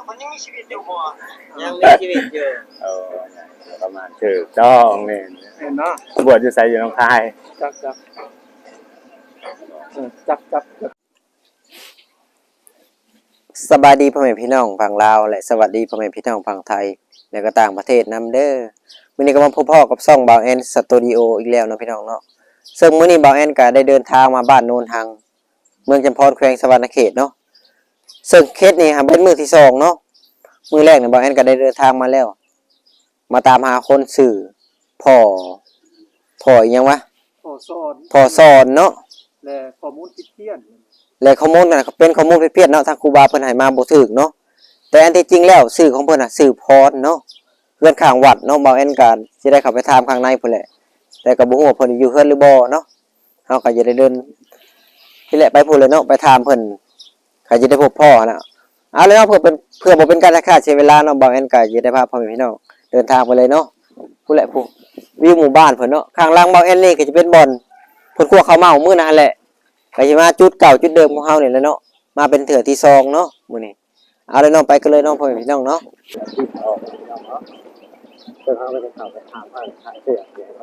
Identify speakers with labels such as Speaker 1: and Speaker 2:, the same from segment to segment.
Speaker 1: มันยังมีชีวิตอยู่บ่
Speaker 2: ยังมีชีวิตอยู่
Speaker 3: ประมาณถูกต้องนี่
Speaker 1: เนาะ
Speaker 3: บวชอยู่ไสอยู่หนองคาย
Speaker 1: จับ
Speaker 2: สบายดีพ่อแม่พี่น้องฝั่งลาวและสวัสดีพ่อแม่พี่น้องฝั่งไทยและก็ต่างประเทศนำเด้อมื้อนี้ก็มาพบพ่อกับช่องบ่าวแอนสตูดิโออีกแล้วเนาะพี่น้องเนาะซึ่งมื้อนี้บ่าวแอนก็ได้เดินทางมาบ้านโนนทังเมืองจำพรแขวงสะวรรณเขตเนาะซึ่งเคสนี้เป็นมื้อที่2เนาะมื้อแรกเนี่ยบ่าวแอนก็ได้เดินทางมาแล้วมาตามหาคนสื่อพ่ออีหยังวะพ่อสอนเนาะ
Speaker 1: และข้อมูลผิดเพี้ยน
Speaker 2: และข้อมูลน่ะเป็นข้อมูลผิดเพี้ยนเนาะทางครูบาเพิ่นให้มาบ่ถูกเนาะแต่อันที่จริงแล้วชื่อของเพิ่นน่ะชื่อพรเนาะเฮือนข้างวัดเนาะบ่าวแอนก็สิได้เข้าไปถามข้างในพุ่นแหละแต่ก็บ่ฮู้ว่าเพิ่นอยู่เฮือนหรือบ่เนาะเฮาก็จะได้เดินที่แหละไปพุ่นเลยเนาะไปถามเพิ่นก็จะได้พบพ่อน่ะเอาเลยเนาะเพื่อบ่เป็นการฆ่าเสียเวลาเนาะบ่าวแอนก็จะได้พาพ่อแม่พี่น้องเดินทางไปเลยเนาะพุ่นแหละผู้วิวหมู่บ้านเพิ่นเนาะข้างหลังบ่าวแอนนี่ก็จะเป็นบ่อนเพิ่นคั่วข้าวเมามื้อนั้นแหละก็สิมาจุดเก่าจุดเดิมของเฮานี่แหละเนาะมาเป็นเถื่อที่2เนาะมื้อนี้เอาเลยเนาะไปกันเลยเนาะพ่อแม่พี่น้องเนาะ
Speaker 3: เพิ่นเฮาก็จะเข้าไปถามผ่านขายเสื้อ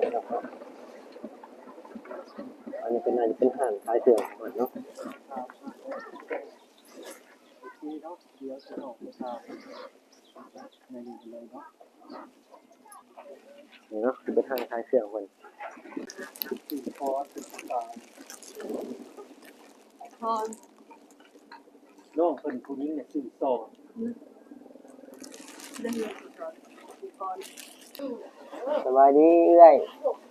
Speaker 3: อันนี้น่าจะเป็นห้างขายเสื้อเนาะ
Speaker 1: นี่เนาะเดี๋ยวจะออกไปทางในนี้เลยเนาะ
Speaker 3: นี่เนาะคือเป็นห้างขายเสื้อเพิ่น
Speaker 1: สื่อพอสื่อสารน้องเพิ่นผู้หญิงเนี่ยสื่อสอน
Speaker 2: สบายดีเอื้อย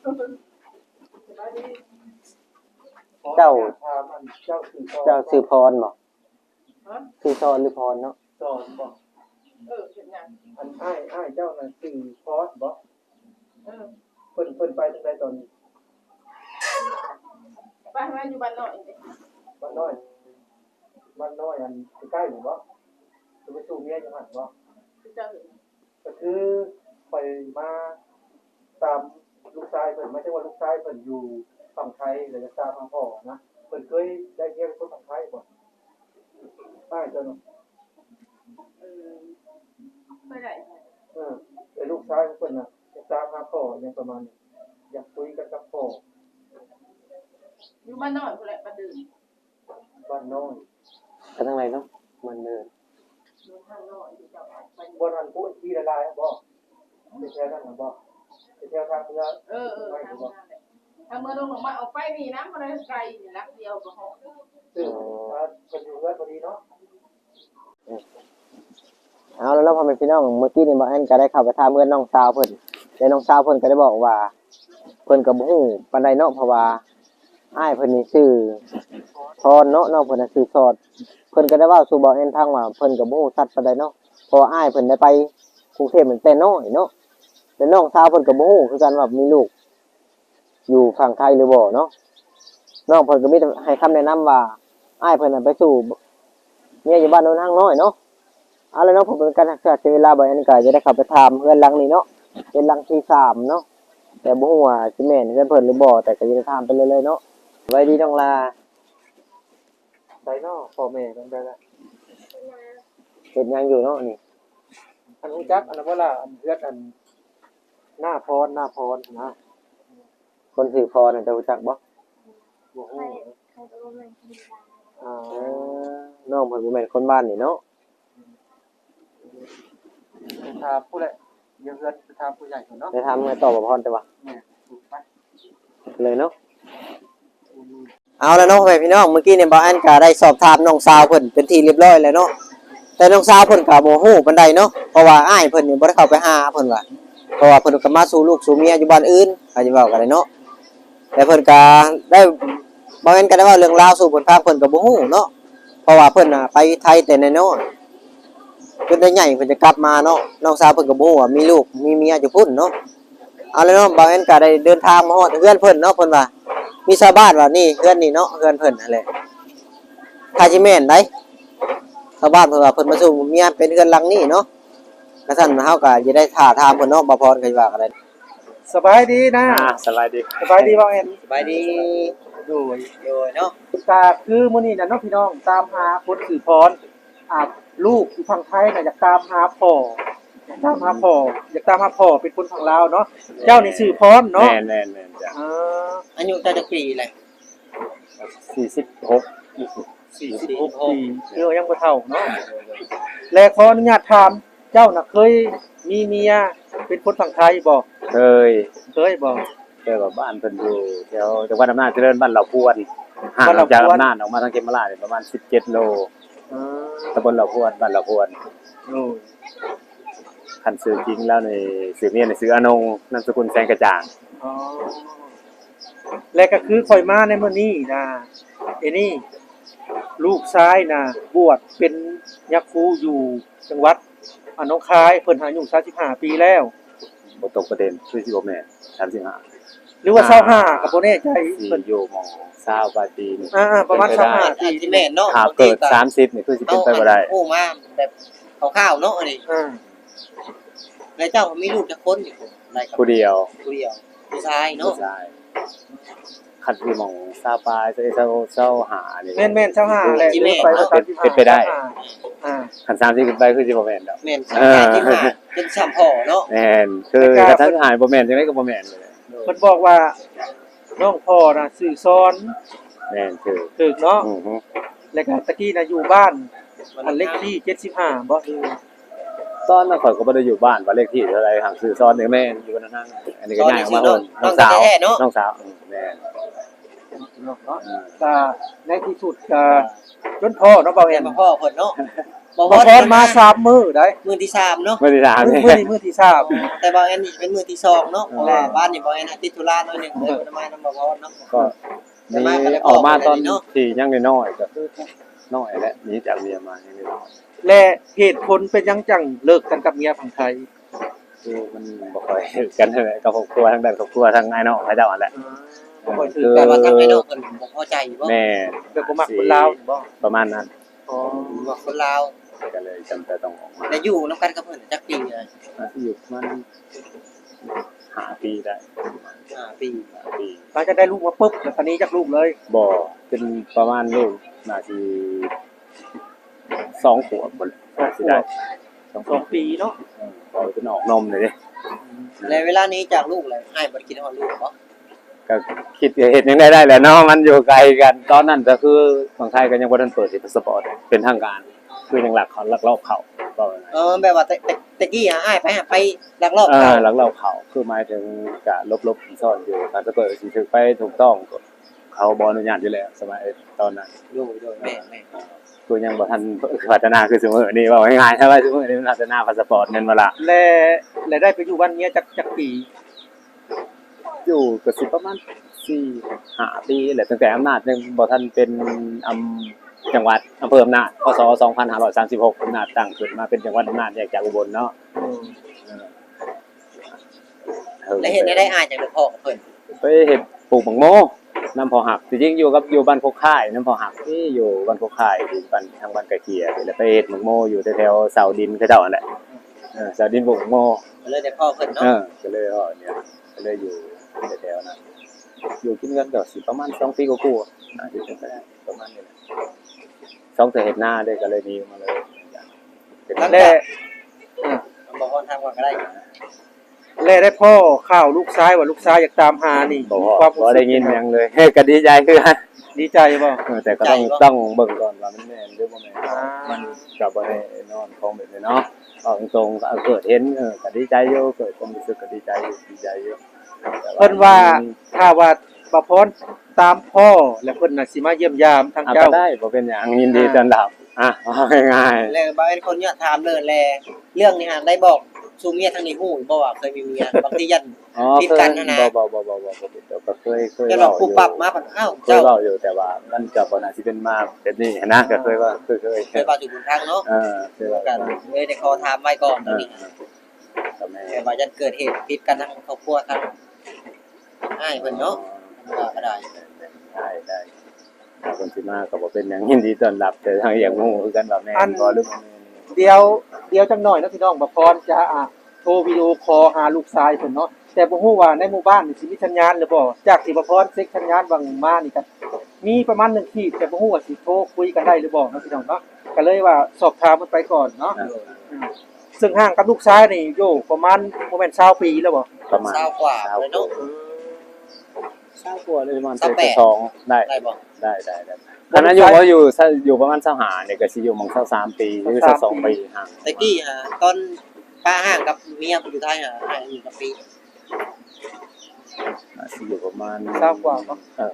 Speaker 2: เจ้าชื่อพรบ่ชื่อสอนหรือพรเนาะ
Speaker 1: สอนบ่เห็นยังอันอ้ายเจ้าน่ะสื่อพอสบ่เพิ่นไปทางใดตอนนี้
Speaker 4: บ้านอยู่บ้านน้อย
Speaker 1: บ้านน้อยอันใกล้หรือบ่จะไปสู่เมียอยู่หั่นบ่ก็คือไปมาตามลูกชายเพิ่นไม่ใช่ว่าลูกชายเพิ่นอยู่ฝั่งไทยเลยจะตามมาพ่อนะเพิ่นเคยได้เรียนคนฝั่งไทยบ่ใช่เจ้าเนาะ
Speaker 4: ไม่ได้
Speaker 1: แต่ลูกชายเพิ่นน่ะจะตามมาพ่ออย่างประมาณนี้อยากคุยกันกับพ่อ
Speaker 4: อยู่บ้านน้อยพุ่นแหละบ้านดื้อ
Speaker 1: บ้านน้อย
Speaker 2: ไปทางไหนเนาะมันเดิน
Speaker 4: อยู่ทางน้อยอยู่เจ้าไป
Speaker 1: บ่ทันพูดที่ละลายบ่ไปแถวนั้นบ่ไปแถวทางเมือง
Speaker 4: ทางเมืองลงมาออกไปนี่นะมันไกลนี่ลักเดียวก็ฮอด
Speaker 1: ซึ่งเพิ่นอยู่เรือนพอดีเนาะ
Speaker 2: เอาแล้วเนาะพ่อแม่พี่น้องเมื่อกี้นี่บ่าวแอนก็ได้เข้าไปถามเพื่อนน้องสาวเพิ่นแต่น้องสาวเพิ่นก็ได้บอกว่าเพิ่นก็บ่ฮู้ปานใดเนาะเพราะว่าอ้ายเพิ่นนี่ชื่อพรเนาะน้องเพิ่นน่ะชื่อสอดเพิ่นก็ได้เว้าสู่บ่าวแอนฟังว่าเพิ่นก็บ่ฮู้ชัดปานใดเนาะเพราะอ้ายเพิ่นได้ไปกรุงเทพตั้งแต่น้อยเนาะแต่น้องสาวเพิ่นก็บ่ฮู้คือกันว่ามีลูกอยู่ฝั่งไทยหรือบ่เนาะน้องเพิ่นก็มีแต่ให้คำแนะนำว่าอ้ายเพิ่นน่ะไปสู่เมียอยู่บ้านโนนทางน้อยเนาะเอาเลยเนาะผมเป็นการศึกษาเวลาบ่อยอันนี้ก็จะได้เข้าไปถามเพื่อนหลังนี้เนาะเป็นหลังที่3เนาะแต่บ่ฮู้ว่าสิแม่นเพิ่นหรือบ่แต่ก็จะได้ถามไปเลยๆเนาะไว้ดีน้องลา
Speaker 1: ไดเนาะพ่อแม่กันได้ละ
Speaker 2: เฮ็ดหยังอยู่เนาะนี่
Speaker 1: อันรู้จักอันนั้นบ่ล่ะอันเฮือดอันหน้าพรนะ
Speaker 2: คนชื่อพรน่ะจะรู้จักบ่
Speaker 1: บ่ฮู้
Speaker 2: น้องเพิ่นบ่แม่นคนบ้านนี่เนาะ
Speaker 1: ถามผู้ใหญ่เดี๋ยวเฮือดถามผู้ใหญ่ก่อนเนาะ
Speaker 2: ได้ถามให้ตอบบ่พรแต่ว่าเลยเนาะเอาแล้วเนาะพี่น้องเมื่อกี้เนี่ยบ่าวแอนก็ได้สอบถามน้องสาวเพิ่นเป็นที่เรียบร้อยแล้วเนาะแต่น้องสาวเพิ่นก็บ่ฮู้ปานใดเนาะเพราะว่าอ้ายเพิ่นนี่บ่ได้เข้าไปหาเพิ่นว่าเพราะว่าเพิ่นก็มาสู่ลูกสู่เมียอยู่บ้านอื่นอาจจะเว้ากันได้เนาะแต่เพิ่นก็ได้บ่าวแอนก็ได้เว้าเรื่องราวสู่เพิ่นฟังเพิ่นก็บ่ฮู้เนาะเพราะว่าเพิ่นน่ะไปไทยแต่น้อยๆจนได้ใหญ่เพิ่นจะกลับมาเนาะน้องสาวเพิ่นก็บ่ฮู้ว่ามีลูกมีเมียอยู่พุ่นเนาะเอาแล้วเนาะบ่าวแอนก็ได้เดินทางมาฮอดเฮือนเพิ่นเนาะเพิ่นว่ามีชาวบ้านว่านี่เฮือนนี่เนาะเฮือนเพิ่นนั่นแหละถ้าสิแม่นได้ชาวบ้านเพิ่นว่าเพิ่นมาสู่เมียเป็นเฮือนหลังนี้เนาะกระซั่นเฮาก็สิได้ท่าทางเพิ่นเนาะบ่พรก็สิว่ากันได้
Speaker 1: สบายดีนะ
Speaker 3: สบายดี
Speaker 1: บ่เอ็น
Speaker 2: สบายดี
Speaker 1: โดย
Speaker 2: เนาะ
Speaker 1: ก็คือมื้อนี้น่ะเนาะพี่น้องตามหาคนชื่อพรลูกอยู่ฝั่งไทยน่ะอยากตามหาพ่ออยากตามหาพ่อเป็นคนฝั่งลาวเนาะเจ้านี่ชื่อพรเนาะ
Speaker 3: แม่นจ้ะ
Speaker 2: อายุเจ้าจักปีแหละ
Speaker 3: 46
Speaker 1: 46ปียังบ่เฒ่าเนาะและขออนุญาตถามเจ้าน่ะเคยมีเมียเป็นคนฝั่งไทยบ่
Speaker 3: เคย
Speaker 1: บ่
Speaker 3: แต่ว่าบ้านเพิ่นอยู่แถวจังหวัดอำนาจเจริญบ้านเหล่าพวนห่างจากอำนาจออกมาทางเขมราชประมาณ17โลตำบลเหล่าพวนบ้านเหล่าพวนคันชื่อจริงแล้วในชื่อเมียนี่ชื่ออนงนามสกุลแสงกระจ่าง
Speaker 1: และก็คือข่อยมาในมื้อนี้นะนี่ลูกชายนะบวชเป็นยักษ์ครูอยู่จังหวัดหนองคายเพิ่นอายุ35ปีแล้ว
Speaker 3: บ่ตกประเด็นคือสิบ่แม่น35
Speaker 1: หรือว่า25ก็บ่แน่ใจ
Speaker 3: เพิ่นอยู่หม่อง20กว่าปีนี่
Speaker 1: ประมาณ25ปี
Speaker 2: ที่แม่นเนาะ
Speaker 3: ถ้าเกิด30นี่คือสิเป็นไปบ่ได้
Speaker 2: โอ้มาแบบคร่าวๆเนาะอันนี้แล้วเจ้ามีลูกจักคนอยู่
Speaker 3: ผู้เดียว
Speaker 2: ผู้ชายเนาะ
Speaker 3: คันที่หม่อง20ปลาย20หานี่
Speaker 1: แม่น25แหละ
Speaker 3: เป็นไปได้คัน30ขึ้นไปคือสิบ่แม่นดอก
Speaker 2: แม่น35เป็น3พ่อเนาะ
Speaker 3: แม่นคือกระทั่งหายบ่แม่นจังได๋ก็บ่แม่นเลย
Speaker 1: เพิ่นบอกว่าน้องพ่อน่ะชื่อซ้อน
Speaker 3: แม่น
Speaker 1: ถูกเนาะแล้วก็ตะกี้น่ะอยู่บ้านอันเลขที่75บ่คือ
Speaker 3: ตอนนั้นข่อยก็บ่ได้อยู่บ้านว่าเลขที่เท่าไหร่ห่างซื้อซ้อนนี่แม่นอยู่นั่นอันนี้ก็ย้ายออกมาน้องสาวแม่น
Speaker 1: เนาะก็ในที่สุดก็จนพ่อเนาะบ่แม่น
Speaker 2: พ่อเพิ่นเนาะ
Speaker 1: บ่พรมา3มื้อได้
Speaker 2: มื้อที่3เนาะ
Speaker 3: มื้อที่3
Speaker 1: มื้อที่3
Speaker 2: แต่บ่แม่นนี่เป็นมื้อที่2เนาะเพราะว่าบ้านนี่บ่แม่นติดธุระหน่อยนึงเลยบ่ได้มานำบ่พรเนาะ
Speaker 3: ก็นี่ออกมาตอนที่ยังน้อยๆก็น้อยแหละหนีจากเมียมายังน้อย
Speaker 1: และเหตุผลเป็นยังจังเลิกกันกับเมียฝั่งไทย
Speaker 3: คือมันบ่ค่อยกันเท่าไหร่กับครอบครัวทางด้านครอบครัวทางไอ้น้องเขาเจ้านั่นแหละ
Speaker 2: บ่ค่อยถือแต่ว่าทางไอ้น้องเพิ่นบ่พอใจบ่
Speaker 3: แม่
Speaker 1: แบบบ่มักคนลาวบ่
Speaker 3: ประมาณนั้น
Speaker 2: บ่คนลาว
Speaker 3: ก็เลยจำเป็นต้องออกมา
Speaker 2: แล้วอยู่นำกันกับเพิ่นจักปีเลย
Speaker 3: อยู่มัน5ปีได้
Speaker 2: 5ปี
Speaker 1: หลังจากได้ลูกมาปึ๊บแล้วตอนนี้จักลูกเลย
Speaker 3: บ่เป็นประมาณลูกน่าสิ2ขวบบ่สิได้
Speaker 1: 2ปีเนาะ
Speaker 3: เอาจนออกนมเลยดิ
Speaker 2: แล้วเวลานี้จากลูกเลยอ้ายบ่ได้คิดฮอดลูกบ่
Speaker 3: ก็คิดเฮ็ดจังได้แหละเนาะมันอยู่ไกลกันตอนนั้นก็คือฝั่งไทยก็ยังบ่ทันเปิดพาสปอร์ตเป็นทางการคือยังลักลอบเข้าก็
Speaker 2: แบบว่าตะกี้อ้ายไปลักลอบ
Speaker 3: เข้าลักลอบเข้าคือหมายถึงก็ลบๆซ่อนอยู่ถ้าเกิดสิถึกไปถูกต้องเขาบ่อนุญาตอยู่แล้วสมัยตอนนั้น
Speaker 2: โดยแม่
Speaker 3: คือยังบ่ทันพัฒนาคือซุมื้อนี้เว้าง่ายๆถ้าว่าซุมื้อนี้มันพัฒนาพาสปอร์ตแม่นบ่ล่ะ
Speaker 1: และได้ไปอยู่บ้านเมียจักปี
Speaker 3: อยู่ก็สิประมาณ4-5 ปีแหละตั้งแต่อำนาจยังบ่ทันเป็นจังหวัดอำเภออำนาจพ.ศ. 2536อำนาจตั้งขึ้นมาเป็นจังหวัดอำนาจแยกจากอุบลเนาะ
Speaker 2: แล้วเฮ็ดได้อ้ายจังได๋พ่อกับเพิ่น
Speaker 3: ไปเฮ็ดปลูกบักโมน้ำพอหักจริงๆอยู่บ้านโคกค่ายน้ำพอหักที่อยู่บ้านโคกค่ายที่บ้านทางบ้านกะเกียแล้วไปเฮ็ดบักโมอยู่แถวๆเสาดินเขาเจ้านั่นแหละเสาดินปลูกบักโม
Speaker 2: เลยได้พ่อเพิ่นเนาะ
Speaker 3: ก็เลยเนี่ยก็เลยอยู่แถวๆนั้นอยู่กินกันก็สิประมาณ2ปีกว่าๆน่าจะเป็นไปได้ประมาณนี้แหละ2เทื่อเฮ็ดนาได้ก็เลยหนีมาเลย
Speaker 1: เป็นแล้
Speaker 2: บ่พอทางว่าก็ได้
Speaker 1: ได้พ่อข่าวลูกชายว่าลูกชายอยากตามหานี่
Speaker 3: ความบ่ได้ยินหยังเลยก็ดีใจคือ
Speaker 1: ดีใจบ่
Speaker 3: แต่ก็ต้องเบิ่งก่อนว่ามันแม่นหรือบ่แม่นมันก็บ่ได้นอนของแบบนี้เนาะเอาตรงๆเกิดเห็นก็ดีใจอยู่เกิดความรู้สึกก็ดีใจอยู่
Speaker 1: เพิ่นว่าถ้าว่าบ่พรตามพ่อแล้วเพิ่นน่ะสิมาเยี่ยมยามทางเจ้า
Speaker 3: ได้บ่เป็นหยังยินดีต้อนรับง่าย
Speaker 2: ๆแล้วบ่เป็นคนเนี่ยถามเลยแลเรื่องนี้หาได้บอกสู่เมียทางนี้ฮู้บ่ว่าเคยมีเมียบางทียันผิดกันนะ
Speaker 3: บ่ก็เคย
Speaker 2: จะลองปุ๊บปั๊บมาอ้าว
Speaker 3: เจ้าเว้าอยู่แต่ว่ามันก็บ่น่าสิเป็นมาแบบนี้นะก็เคยว่าเคย
Speaker 2: ว่าอยู่บนทางเนาะ
Speaker 3: เคยว่า
Speaker 2: กันเลยได้ขอถามไว้ก่อนตอนนี้แต่ว่าจะเกิดเหตุผิดกันทางครอบครัวทางอ้ายเพิ่นเนาะก็ได้
Speaker 3: ถ้าคนสิมาก็บ่เป็นหยังยินดีต้อนรับแต่ทางอย่างงูคือกันว่าแม่นบ่หรือบ่แม่น
Speaker 1: เดี๋ยวจังหน่อยนะพี่น้องบ่พรจะโทรวิดีโอคอลหาลูกชายเพิ่นเนาะแต่บ่ฮู้ว่าในหมู่บ้านนี่สิมีสัญญาณหรือบ่จากที่บ่พรเช็คสัญญาณบางมานี่ก็มีประมาณ1ขีดแต่บ่ฮู้ว่าสิโทรคุยกันได้หรือบ่เนาะพี่น้องเนาะก็เลยว่าสอบถามมันไปก่อนเนาะซึ่งห่างกับลูกชายนี่อยู่ประมาณบ่แม่น20ปีแล้วบ่
Speaker 3: ประมาณ
Speaker 2: 20กว่าเลยเนาะ
Speaker 3: 20กว่าเลยประมาณ
Speaker 2: 28
Speaker 3: 2ได้
Speaker 2: ได้บ่
Speaker 3: ได้ตอนนั้นอยู่ประมาณ25เนี่ยก็สิอยู่หม่อง23ปีหรือ22ปีห่าง
Speaker 2: ตะกี้ตอนป้าห่างกับเมียอยู่ไทยห่างอยู่กับปี
Speaker 3: สิอยู่ประมาณ
Speaker 1: 20กว่าบ่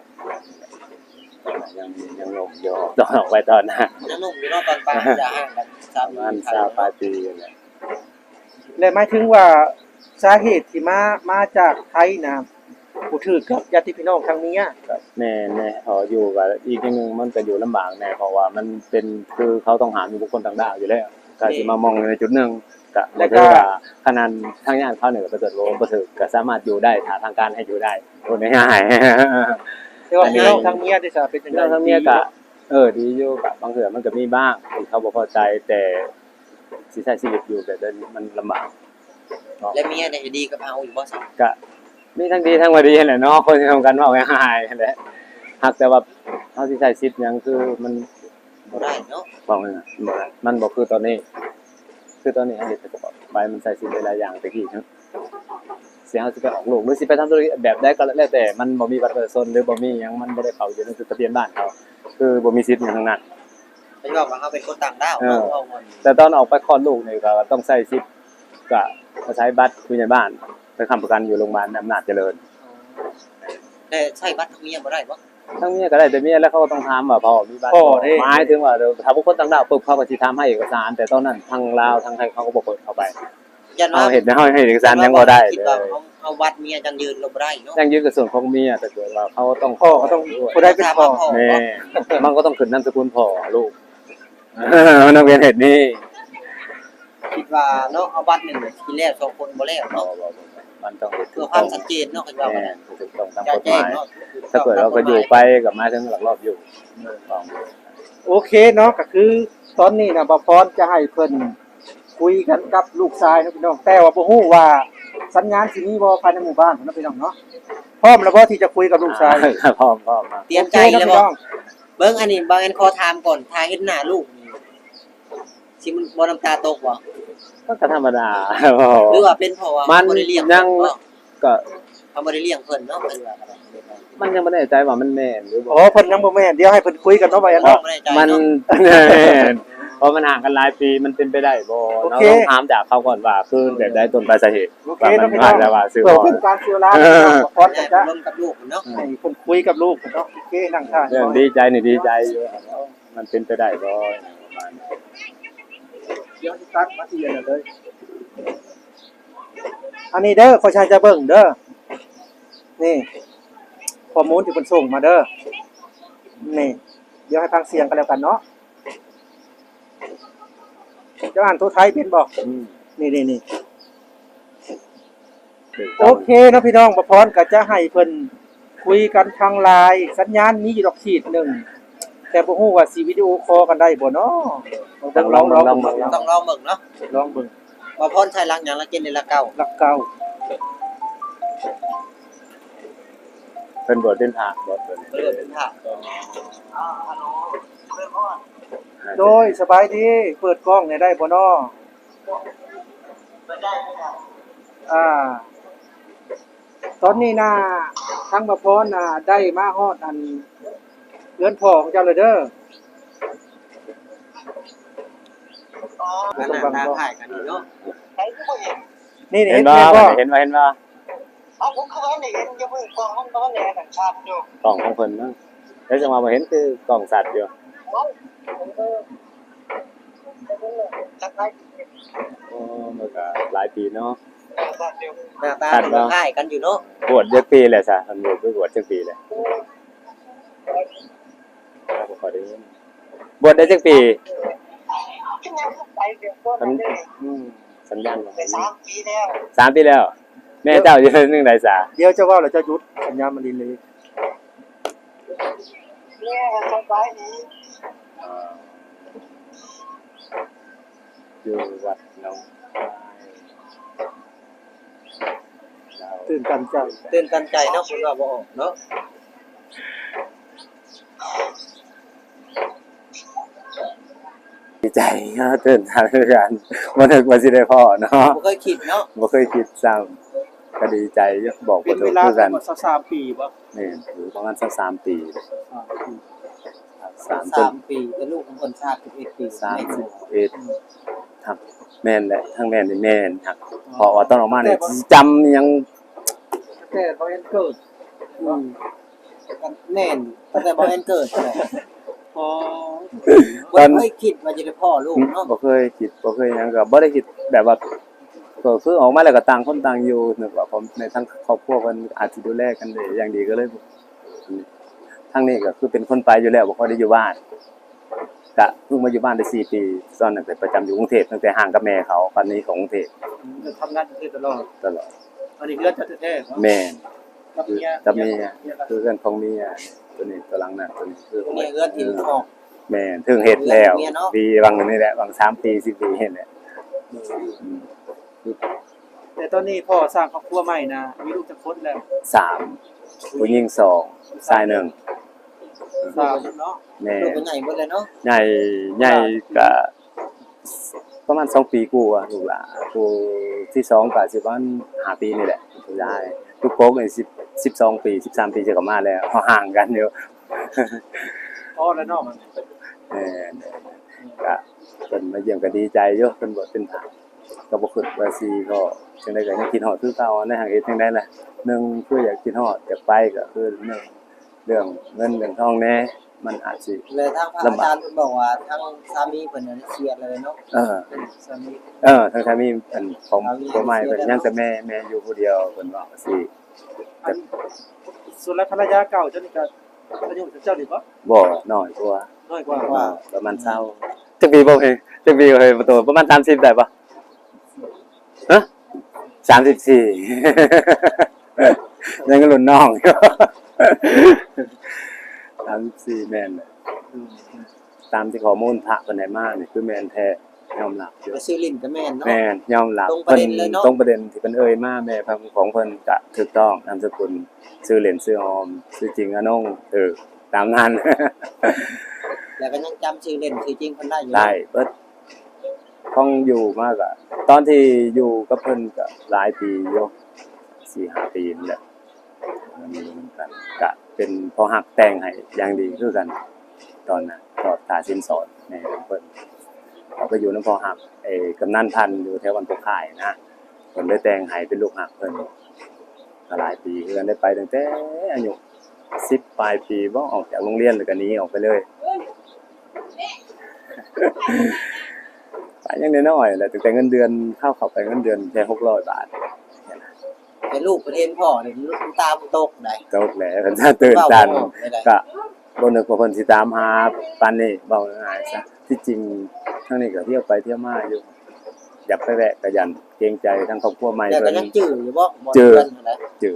Speaker 3: ยังลงอยู่ตอนออกไปตอนนั้น
Speaker 2: ยังหนุ่มอยู่เนาะตอนป้าจะห่างกัน
Speaker 3: ประมาณ20ปลายปีแหละ
Speaker 1: และหมายถึงว่าสาเหตุที่มาจากไทยนะบ่ถือกับญาติพี่น้องทางเมีย
Speaker 3: ก็แน่พออยู่ก็อีกอย่างนึงมันก็อยู่ลำบากแน่เพราะว่ามันเป็นคือเขาต้องหาบุคคลต่างดาวอยู่แล้วก็สิมามองในจุดหนึงก็บ่ถือว่าขนาดทางญาติเขาเนี่ยก็เกิดว่าบ่ถือก็สามารถอยู่ได้ถ้าทางการให้อยู่ได้พูดง่ายๆ
Speaker 1: แต่ว่าพี่น้องทางเมียได้ซะเป็นจังได๋
Speaker 3: ทางเมียก็ดีอยู่กับบางเทื่อมันก็มีบ้างที่เขาบ่พอใจแต่สิใช้ชีวิตอยู่แบบนั้นมันลำบาก
Speaker 2: และเมียได้ดีกับเฮาอยู่บ่ซัก
Speaker 3: ก็มีทั้งดีทั้งบ่ดีแหละเนาะคนที่ทำกันเว้าง่ายๆนั่นแหละหักแต่ว่าเฮาสิใช้ชีวิตหยังคือมัน
Speaker 2: บ่ได้เนาะ
Speaker 3: บอกเลยนะมันบ่คือตอนนี้ คือตอนนี้เฮาเฮ็ดแต่ก็ไปมันใช้ชีวิตหลายอย่างตะกี้เนาะสิเฮาสิไปออกลูกหรือสิไปทำธุรกิจแบบใดก็แล้วแต่มันบ่มีบัตรประชาชนหรือบ่มีหยังมันบ่ได้เข้าอยู่ในจดทะเบียนบ้านเขาคือบ่มีสิทธิ์หยังทั้งนั้น
Speaker 2: เป็นว่าเฮาเป็นคนต่างดาวเนาะเฮา
Speaker 3: แต่ตอนออกไปคลอดลูกนี่ก็ต้องใช้สิทธิ์ก็ใช้บัตรผู้ใหญ่บ้านไปค้ำประกันอยู่โรงพยาบาลอำนาจเจริญ
Speaker 2: ได้ใช้บัตรทางเมียบ่ได้บ่
Speaker 3: ทั้งเมียก็ได้แต่เมียแล้วเขาก็ต้องถามว่าพ่อมีบัตรหมายถึงว่าถ้าบุคคลต่างดาวปุ๊บเขาก็สิถามให้เอกสาร แต่ตอนนั้นทางลาวทางไทยเขาก็บ่เปิดเข้าไป
Speaker 2: ยันว่า
Speaker 3: เอาเห็นเฮาให้เอกสารยังบ่ได้
Speaker 2: คิ
Speaker 3: เล
Speaker 2: ว่าย เอาบัตรเมียจังยืนลงบ่ได้เนาะ
Speaker 3: ยังยืนกับส่วนของเมียแต่เกิดว่าเขาต้อง
Speaker 1: พ่อก็ต้องผู้ใดเป็นพ่อ
Speaker 3: แม่มันก็ต้องขึ้นนามสกุลพ่อลูกมันต้องเป็นเหตุนี้
Speaker 2: คิดว่าเนาะเอาบัตรนึงทีแรก2คนบ่แล้วเนาะ
Speaker 3: มันต้อง
Speaker 2: เพื่อความชัดเจนเนาะคิดว่า
Speaker 3: แม่ถูกต้องตาม
Speaker 2: จะ
Speaker 3: กฎห
Speaker 2: แจ้ง
Speaker 3: มาย
Speaker 2: เนาะ
Speaker 3: ถ้าเกิดเราก็อยู่ไปกับมาถึงหลักรอบอยู่
Speaker 1: โอเคเนาะก็คือตอนนี้น่ะบ่พรจะให้เพิ่นคุยกันกับลูกชายนะพี่น้องแต่ว่าบ่ฮู้ว่าสัญญาณสิมีบ่ภายในหมู่บ้านนะพี่น้องเนาะพร้อมแล้วบ่ที่จะคุยกับลูกชาย
Speaker 3: พร้อมมา
Speaker 2: เตรียมใจแล้วบ่เบิ่งอันนี้บางอันขอถามก่อนถ้าเห็นหน้าลูกนี่สิมันบ่น้ำตาตกบ่
Speaker 3: ก็ธรรมดา
Speaker 2: หรือว่าเป็นเพราะว่า
Speaker 3: มัน
Speaker 2: บ่ได้เลี้ยง
Speaker 3: ยังก็
Speaker 2: เขาบ่ได้เลี้ยงเพิ่นเนาะเพิ่นว่า
Speaker 3: มันยังไม่แน่ใจว่ามันแม่นหรือบ่
Speaker 1: อ๋อเพิ่นยังบ่แม่นเดี๋ยวให้เพิ่นคุยกันเนาะว่าอันเนาะ
Speaker 2: บ่ได้ใจ
Speaker 3: มัน
Speaker 2: เนาะ
Speaker 3: เพราะมันห่างกันหลายปีมันเป็นไปได้บ่
Speaker 1: โอ
Speaker 3: เรา
Speaker 1: เค
Speaker 3: ต้องถามจากเขาก่อนว่าคือแบบใดต้นปลายสาเหตุ
Speaker 1: โอเค
Speaker 3: ว่ามั
Speaker 1: เนาะ
Speaker 3: น
Speaker 1: พี่
Speaker 3: มา
Speaker 1: น้อง
Speaker 3: แล้วว่าซื้อ
Speaker 1: เพื่อ
Speaker 3: บ่
Speaker 1: เป็นการเสียเวลาบ่พร
Speaker 2: ได้
Speaker 1: จะ
Speaker 2: ร่วมกับลูกเนาะ
Speaker 1: ให้เพิ่นคุยกับลูกเนาะโอเคนั่งท่า
Speaker 3: เรื่องดีใจนี่ดีใจอยู่มันเป็นไปได้บ่ประมาณนี้
Speaker 1: เดี๋ยวสิตัดมาที่นั่นเลยอันนี้เด้อขอชายจะเบิ่งเด้อนี่ข้อมูลที่เพิ่นส่งมาเด้อนี่เดี๋ยวให้ฟังเสียงกันแล้วกันเนาะจะอ่านตัวไทยเป็นบ่
Speaker 3: อืม
Speaker 1: นี่
Speaker 3: ถูก
Speaker 1: โอ
Speaker 3: ต้อง
Speaker 1: เคเนาะพี่น้องบ่พรก็จะให้เพิ่นคุยกันทางไลน์สัญญาณมีอยู่ดอกขีดหนึ่งแต่บ่ฮู้ว่าสิวิดีโอคอลกันได้บ่เนาะต้องลอง
Speaker 2: ต้องลองเบิ่งเนาะ
Speaker 1: ลองเบิ่ง
Speaker 2: ว่าพรใช้หลักหยังละเกณฑ์ในละเก่า
Speaker 1: หลักเก่า
Speaker 3: เป็นบทเป็นผาบทเป็น
Speaker 2: เพิ่นเป็นพระ
Speaker 1: โดยสบายดีเปิดกล้องเนี่ยได้บ่เนาะตอนนี้น่ะทางบ่พรน่ะได้มาฮอดอันเรือนพ่อของเจ้าเลยเด้อ
Speaker 2: นั่นน่ะหน้าถ่ายกันนี่เนาะ
Speaker 1: นี่
Speaker 3: เห็
Speaker 1: เห็
Speaker 3: น
Speaker 1: น
Speaker 3: ว่า
Speaker 1: บ่
Speaker 3: เห็นว่า
Speaker 5: ผมคือว่าเนี่ยยังไม่กองห้องนอนเนี่ยต่างชาติอยู่
Speaker 3: กล่องของเพิ่นนะแล้วจังหวะมาเห็นคือกล่องสัตว์อยู่
Speaker 5: สักไร
Speaker 3: โอ้มันก็หลายปีเนาะ
Speaker 5: สัตว์อยู่
Speaker 2: หน้าตามันคล้ายกันอยู่เนาะ
Speaker 3: บวชจักปีแหละซะมันบวชจักปีแหละบ่ค่อยได้ยินบวชได้จักปี
Speaker 5: ที่ยังไปเดี๋ยวก็
Speaker 3: มัน
Speaker 5: ได้
Speaker 3: สัญญาณของ
Speaker 5: ไป
Speaker 3: มัน
Speaker 5: 3 ปีแล้ว
Speaker 3: 3 ปีแล้ว แม่เจ้าอยู่นึงใดซะ
Speaker 1: เดี๋ยวจะเว้าแล้วจะหยุดสัญญาณมันดีเลย
Speaker 5: เนี่ยสบายดี
Speaker 3: อยู่วัดหนอง
Speaker 1: ตื่นตันใจ
Speaker 2: ตื่นตันใจเนาะเพิ่นว่าบ่ออกเนาะ
Speaker 3: ดีใจเนาะตื่นทางกันบ่นึกว่าสิได้พ่อเนาะ
Speaker 2: บ่เคยคิดเนาะ
Speaker 3: บ่เคยคิดซ้ำก็ดีใจอยู่บอก
Speaker 1: เป็
Speaker 3: บ่
Speaker 1: น
Speaker 3: ถู
Speaker 1: เว
Speaker 3: ก
Speaker 1: ลา
Speaker 3: คือ
Speaker 1: ป
Speaker 3: กั
Speaker 1: ระ
Speaker 3: น
Speaker 1: มาณ3ปีบ่
Speaker 3: นี่อยู่ประมาณ23ปี3จน
Speaker 2: 3 ปีแต่ลูกของคนชาติ11ปี
Speaker 3: 31ครับแม่นแหละทั้งแม่นนี่แม่นครับพอว่าตอนออกมานี่จำยัง
Speaker 1: แต่บ่เห็นเกิด
Speaker 2: แม่นตั้งแต่บ่แม่นเกิดเลย
Speaker 1: อ๋อ
Speaker 2: บ่เคยคิดว่าจะได้พ่อลูกเนาะ
Speaker 3: บ่เคยคิดบ่เคยหยังก็บ่ได้คิดแบบว่าก็คือออกมาแล้วก็ต่างคนต่างอยู่นึกว่าผมในทั้งครอบครัวเพิ่นอาจสิดูแลกันได้อย่างดีก็เลยทางนี้ก็คือเป็นคนไปอยู่แล้วบ่ค่อยได้อยู่บ้านก็เพิ่งมาอยู่บ้านได้4ปีตอนนั้นไปประจำอยู่กรุงเทพตั้งแต่ห่างกับแม่เขาตอนนี้ของกรุงเทพ
Speaker 1: จะทำงานอยู่ตลอด
Speaker 3: ตลอด
Speaker 1: อันนี้เรื่องแท้ๆ
Speaker 3: แม่น
Speaker 1: กับเมีย
Speaker 3: กับเมียคือเรื่องของเมียตัวนี้ตัวหลังน่ะตัวนี้คือ
Speaker 2: นี่เอื้อที่ออก
Speaker 3: แม่นถึงเฮ็ดแล้ว
Speaker 2: เมียเนาะ
Speaker 3: ปีบางนี่แหละบาง3ปี4ปีเฮ็ดแหละ
Speaker 1: แต่ตอนนี้พ่อสร้างครอบครัวใหม่นะมีลูกจักคนแล้ว
Speaker 3: 3ผู้หญิง2ชาย1
Speaker 1: 3เนาะ
Speaker 3: แม่
Speaker 2: ลูกเป็นใหญ่หมดเลยเนาะ
Speaker 3: ใหญ่ก็ประมาณ2ปีกว่าลูกหลานผู้ที่2ก็สิประมาณ5ปีนี่แหละผู้ชายลูกโป๊กนี่12ปี13ปีจะกลับมาแล้วห่างกันอยู่
Speaker 1: พ่อและน้องมัน
Speaker 3: เออก็เพิ่นมาเยี่ยมก็ดีใจอยู่เพิ่นบ่เป็นทางก็บ่คิดว่าสิก็จังได๋ก็ยังคิดฮอดคือเก่าในหางเฮ็ดจังได๋ล่ะหนึ่งคืออยากคิดฮอดอยากไปก็คือหนึ่งเรื่องเงินเรื่องทองแน่มันอาจสิ
Speaker 2: เลยทางพระอาจารย์เพิ่นบอกว่าทางสามีเพิ่นน่ะเสียเลยเนาะ
Speaker 1: สามี
Speaker 3: ทางมีอันของตัวใหม่เพิ่นยังแต่แม่อยู่ผู้เดียวเพิ่นว่าสิ
Speaker 1: อันส่วนแล้วภรรยาเก่าเจ้านี่ก็อายุเจ้านี่บ่
Speaker 3: บ่น้อยกว่า
Speaker 1: น้อยกว่า
Speaker 3: ประมาณ20จักปีบ่เฮ้ยจักปีเฮ้ยประตูประมาณ30ได้ปะฮะ34ยังรุ่นน้องอยู่34แม่นเลยตามที่ข้อมูลพระเพิ่นให้มานี่คือแม่นแท้ยอมรับอยู่
Speaker 2: ไปซื้อลิ้นก็แม่นเนาะ
Speaker 3: แม่นยอมรับ
Speaker 2: ตรงประเด็นเลยเนาะ
Speaker 3: ตรงประเด็นที่เพิ่นเอ่ยมาแม่ของเพิ่นก็ถูกต้องนามสกุลชื่อเล่นชื่อออมชื่อจริงอนงตามนั้น
Speaker 2: แล้วก็ยังจำชื่อเล่นชื่อจริงเพิ่นได้อยู่
Speaker 3: ได้เบิดต้องอยู่มากอะตอนที่อยู่กับเพิ่นก็หลายปีอยู่4-5 ปีนี่แหละก็เป็นพอหักแต่งให้อย่างดีคือกัน ตอนนั้นก็ตาสินสอดแม่เพิ่นเขาก็อยู่นำพอหักกำนันพันธุ์อยู่แถววันตกข่ายนะเพิ่นเลยแต่งให้เป็นลูกหักเพิ่นก็หลายปีคือกันได้ไปตั้งแต่อายุ10ปลายปีบ่ออกจากโรงเรียนแล้วก็หนีออกไปเลย ไปยังน้อยๆแหละแต่เงินเดือนเข้าไปเงินเดือนแค่600 บาท
Speaker 2: เป็นลูกประเทศพ่อนี่ลูกตาบ่ตกได้
Speaker 3: ตกแหละเพิ่นจะตื่นตัน
Speaker 2: เว้าบ่ออกเลยได้
Speaker 3: ก็บ่นึกว่าเพิ่นสิตามหาปานนี้เว้าง่ายๆซะที่จริงทางนี้ก็เที่ยวไปเที่ยวมาอยู่ อยากไปแวะก็ยันเกรงใจทางครอบครัวใหม่
Speaker 2: แล้วก็
Speaker 3: เพิ่น
Speaker 2: ยังจื้ออยู่บ่บ่
Speaker 3: จื้อ
Speaker 2: เพิ่นนั่นแหละ
Speaker 3: จื้อ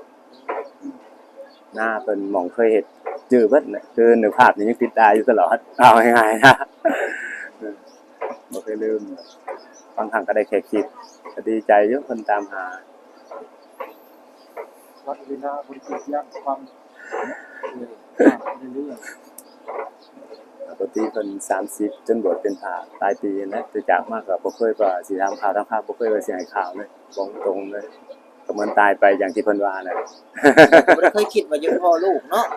Speaker 3: หน้าเพิ่นหม่องเคยเฮ็ดจื้อเบิดน่ะคือนึกภาพนี่ยังติดตาอยู่ตลอดเอาง่ายๆนะบ่เคยลืมบางครั้งก็ได้แค่คิดก็ดีใจอยู่เพิ่นตามหา
Speaker 1: วัดเวลาบริสุทธิ์ย่างความเรื่อย
Speaker 3: ปกติเพิ่น30จนบวชเป็นพระปลายปีนะแต่จากมากก็บ่เคยว่าสิทำข่าวทำข่าวบ่เคยว่าสิให้ข่าวเลยบอกตรงเลยก็เหมือนตายไปอย่างที่เพิ่นว่าน่ะ
Speaker 2: บ่ได้เคยคิดว่าจะเป็นพ่อลูกเนาะ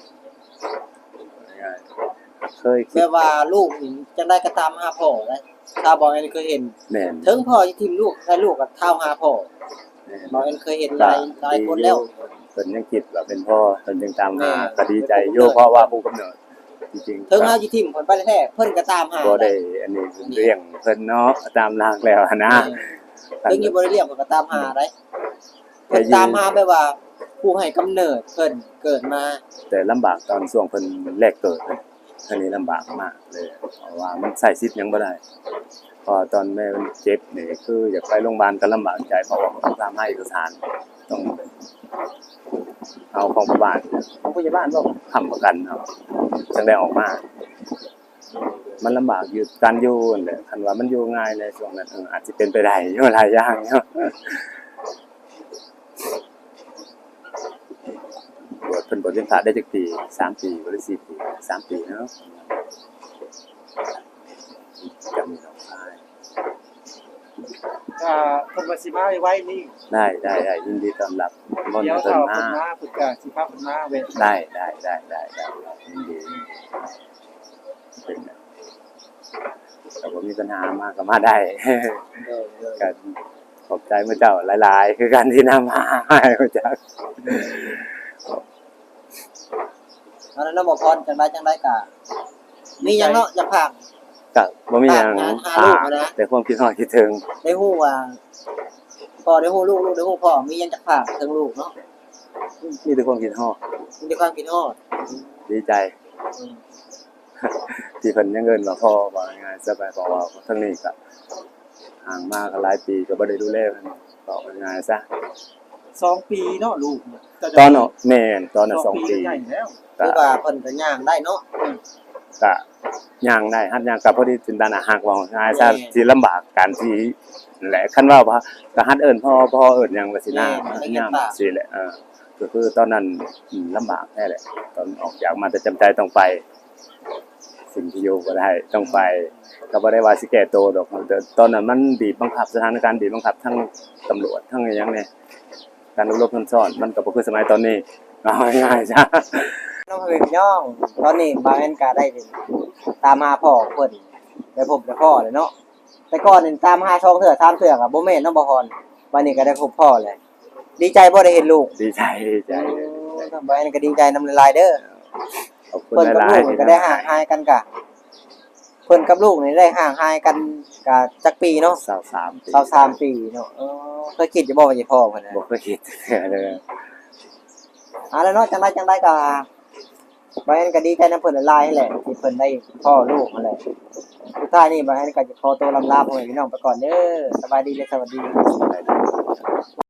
Speaker 3: ง่ายๆเคยคิ
Speaker 2: แบ
Speaker 3: ด
Speaker 2: บว่าลูกนี่จังได๋ก็ตามหาพ่อเลยถ้าบ่แม่นเคยเห็น
Speaker 3: แม่น
Speaker 2: ถึงพ่อสิทิ่มลูกให้ลูกก็เท่าหาพ่อ
Speaker 3: แม่น
Speaker 2: บ่แม่นเคยเห็นหลายคนแล้ว
Speaker 3: เพิ่นยังคิดว่าเป็นพ่อเพิ่นยังตามหา
Speaker 2: แม่
Speaker 3: ก็ดีใจอยู่เพราะว่าผู้กำเนิดจริงๆ
Speaker 2: ถึงเฮาสิทิ่มเพิ่นไปแท้ๆเพิ่นก็ตามหา
Speaker 3: บ่ได้อันนี้เรื่องเพิ่นเนาะตามหลักแล้วหั้นนะ
Speaker 2: ถึงอยู่บ่ได้เลี้ยงเพิ่นก็ตามหาได้เพิ่นตามหาแบบว่าผู้ให้กำเนิดเพิ่นเกิดมา
Speaker 3: แต่ลำบากตอนช่วงเพิ่นแรกเกิดเลยอันนี้ลำบากมากเลยเพราะว่ามันใช้ชีวิตหยังบ่ได้พอตอนแม่มันเจ็บนี่คืออยากไปโรงพยาบาลก็ลำบากใจเพราะว่าต้องตามให้เอกสารต้องเอาของพยาบาลบ่ค้ำประกันเอาจังได้ออกมา มันลำบากอยู่การอยู่นั่นแหละคันว่ามันอยู่ง่ายในช่วงนั้นอาจสิเป็นไปได้อยู่หลายอย่างเนาะบวชเพิ่นบวชเป็นพระได้จักปี3 ปีบ่ได้4 ปี3 ปีเนาะ
Speaker 1: เพิ่นว่าสิมาไว้นี่
Speaker 3: ได้ยินดีต้อนรับมน
Speaker 1: เดี๋ยว
Speaker 3: ต์เพิ่
Speaker 1: ถ้าน เพิ่
Speaker 3: มาน
Speaker 1: มาเพิ่นก็สิพาเพิ่นมาเว้ย
Speaker 3: ได้ยินดีเป็นแต่ว่ามีปัญหามากก็มาได้ กันขอบใจพระเจ้าหลายๆ คือการที่นำมาให้พระเจ้า
Speaker 2: เอาแล้วบ่พรจังได๋ก็มีหยังเนาะอยากฝาก
Speaker 3: ก็บ่มีหยัง
Speaker 2: หาลูกมานะ
Speaker 3: แต่ความคิดฮอดคิดถึง
Speaker 2: ได้ฮู้ว่าพ่อได้ฮู้ลูกได้ฮู้พ่อมีหยังจะฝากถึงลูกเนาะ
Speaker 3: มีแต่ความคิดฮอด
Speaker 2: มีแต่ความคิดฮอด
Speaker 3: ดีใจ ที่เพิ่นยังเงินว่าพ่อว่าง่ายๆซะไปเพราะว่าทั้งนี้ก็ห่างมาก็หลายปีก็บ่ได้ดูแลเพิ่นบอกง่ายๆซะ
Speaker 1: 2 ปีเนาะลูก
Speaker 3: ตอนเนาะแม่นตอนน่ะ2 ปี
Speaker 1: ใหญ่แล้ว
Speaker 2: คือว่าเพิ่นก็ย่างได้เนาะ
Speaker 3: ก็ย่างได้หัดย่างก็พอดีจินตนาหักว่าง่ายซะสิลำบากการที่แหละคันว่าก็หัดเอิ้นพ่อเอิ้นหยังว่าสินะย่างสิแหละก็คือตอนนั้นลำบากแท้แหละตอนออกจากมาแต่จำใจต้องไป สิ่งที่อยู่บ่ได้ต้องไปก็บ่ได้ว่าสิแก้ตัวดอกแต่ตอนนั้นมันบีบบังคับสถานการณ์บีบบังคับทั้งตำรวจทั้งหยังเนี่ยการอบรมซ่อนมันก็บ่คือสมัยตอนนี้เอาง่ายๆจ้ะ
Speaker 2: น้องพี่น้องตอนนี้บางแอนก็ได้ตามหาพ่อเพิ่นได้พบได้พ่อเลยเนาะแต่ก่อนนี่ตามหา2เทื่อ3เทื่อก็บ่แม่นเนาะบ่ฮอนวันนี้ก็ได้พบพ่อเลยดีใจบ่ได้เห็นลูก
Speaker 3: ดีใจ
Speaker 2: บางแอนก็ดีใจนำหลายๆเด้อ
Speaker 3: ขอบคุณ
Speaker 2: เพิ่น
Speaker 3: ห
Speaker 2: กับ
Speaker 3: ลา
Speaker 2: ลู
Speaker 3: ย
Speaker 2: ก
Speaker 3: ๆ
Speaker 2: นี่ก็ได้ห่างหายกันกะเพิ่นกับลูกนี่ได้ห่างหายกันกะจักปีเนาะ
Speaker 3: 23ปี
Speaker 2: 23ปีเนาะเคยคิดจะบ่ว่าสิพ่อเพิ่นน่ะ
Speaker 3: บ่เคยคิดเลย
Speaker 2: แล้วเนาะจังได๋ก็บางแอนก็ดีใจนำเพิ่นหลายๆแหละที่เพิ่นได้พ่อลูกนั่นแหละสุดท้ายนี่บางแอนก็จะขอตัวลำลาพ่อแม่พี่น้องไปก่อนเด้อสบายดีและสวัสดี